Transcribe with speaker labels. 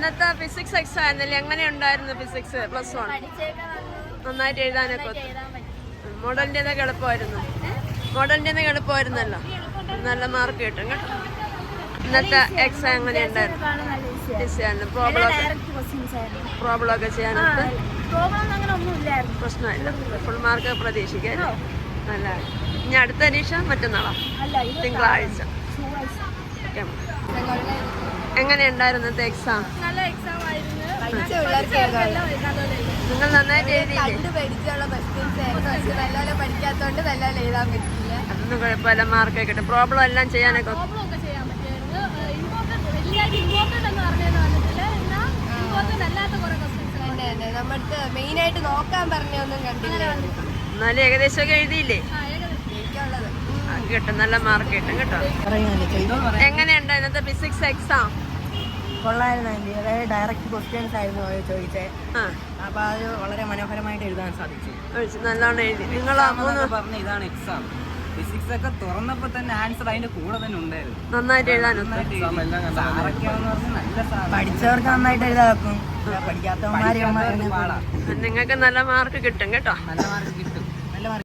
Speaker 1: ഇന്നത്തെ physics exam ആയിരുന്നല്ലേ? എങ്ങനെ ഉണ്ടായിരുന്നു ഫിസിക്സ് +1? നന്നായിട്ട് എഴുതാനൊക്കെ മോഡലിൻ്റെതൊക്കെ എളുപ്പമായിരുന്നു. മോഡലിൻ്റെതൊക്കെ എളുപ്പമായിരുന്നല്ലോ. നല്ല മാർക്ക് കിട്ടും കേട്ടോ. ഇന്നത്തെ എക്സാം എങ്ങനെ ഉണ്ടായിരുന്നു? പ്രോബ്ലം ഒക്കെ ചെയ്യാനൊക്കെ പ്രശ്നമില്ല. ഫുൾ മാർക്ക് പ്രതീക്ഷിക്കാം. നല്ല. ഇനി അടുത്ത പരീക്ഷ മറ്റന്നാളോ? തിങ്കളാഴ്ച. എങ്ങനെയുണ്ടായിരുന്നു ഇന്നത്തെ എക്സാം?
Speaker 2: നല്ല എക്സാം ആയിരുന്നു.
Speaker 1: നിങ്ങൾ നന്നായിട്ട് എഴുതിയില്ലേ?
Speaker 2: പഠിക്കാത്തോണ്ട് നല്ലോണം എഴുതാൻ പറ്റില്ല.
Speaker 1: അതൊന്നും കുഴപ്പമില്ല, മാർക്ക് കിട്ടും. പ്രോബ്ലം എല്ലാം ചെയ്യാനൊക്കെ
Speaker 2: നമ്മൾക്ക് മെയിൻ ആയിട്ട് നോക്കാൻ പറഞ്ഞൊന്നും കണ്ടില്ല.
Speaker 1: എന്നാലും ഏകദേശമൊക്കെ എഴുതിയില്ലേ? കിട്ടും, നല്ല മാർക്ക് കിട്ടും കേട്ടോ. എങ്ങനെയുണ്ട് ഇന്നത്തെ ഫിസിക്സ് എക്സാം?
Speaker 3: കൊള്ളായിരുന്നു. ഡയറക്റ്റ് ക്വസ്റ്റ്യൻസ് ആയിരുന്നു ചോദിച്ചേ. അപ്പൊ അത് വളരെ മനോഹരമായിട്ട് എഴുതാൻ സാധിച്ചു.
Speaker 1: നല്ലോണം എഴുതി. നിങ്ങളാ
Speaker 4: പറഞ്ഞ ഇതാണ് എക്സാം. ഫിസിക്സ് ഒക്കെ തുറന്നപ്പോ തന്നെ ആൻസർ അതിന്റെ കൂടെ തന്നെ ഉണ്ടായിരുന്നു.
Speaker 1: നന്നായിട്ട് എഴുതാനും
Speaker 3: പഠിച്ചവർക്ക് നന്നായിട്ട് എഴുതാക്കും, പഠിക്കാത്തവന്മാരെ
Speaker 1: നിങ്ങൾക്ക് നല്ല മാർക്ക് കിട്ടും കേട്ടോ.
Speaker 4: നല്ല മാർക്ക് കിട്ടും.